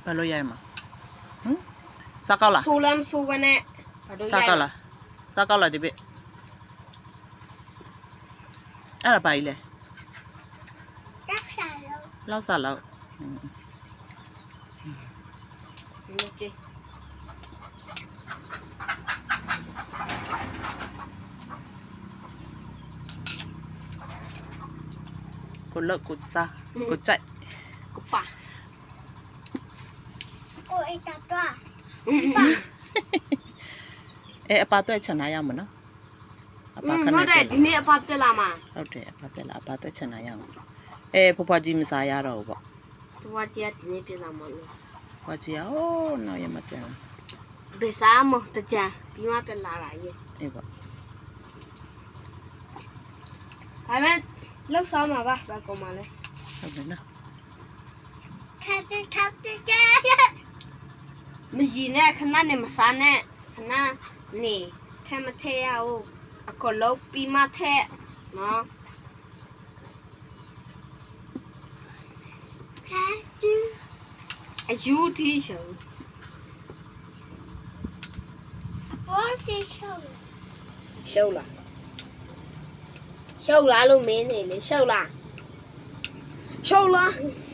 ဘာလို့ရိုက်မှာစားကောက်လားဆိုလမ်းဆိုဝနဲ့ဘာလို့စားကောက်လားစားကောက်လားဒီပိအဲ့ဒါပါကြီးလေလောက်စားလောက်ကြည့်ကိုလောက်ကိုစားကိုကြိုက်ကိုပါကိုအိတ်တာတော့အပါတော့ချန်နာရမနော်အပါခဏဟုတ်တယ်ဒီနေ့အဖတက်လာမှာဟုတ်တယ်အပါပြက်လာအပါတော့ချန်နာရအောင်ဖွားဖွားကြီးမစားရတော့ဘူးပေါ့သူကကြီးကဒီနေ့ပြန်လာမှာလို့ဖွားကြီးอ๋อနောက်ရမပြန်ဘယ်စားမတကြပြီးမှပြန်လာတာရဲ့အေးပေါ့ဒါပေမဲ့လောက်စားမှာပါဘာကောင်မလဲဟုတ်တယ်နော်ခက်တဲ့ခက်တဲ့ကဲမကြီးနဲ့ခဏနဲ့မစားနဲ့ခဏနေထဲမထဲရအောင်အခုလောက်ပြီးမှထဲနော်ခက်တူအယူတီရှုံဘောတီရှောရှုပ်လားရှုပ်လားလို့မင်းနေလေရှုပ်လားရှုပ်လား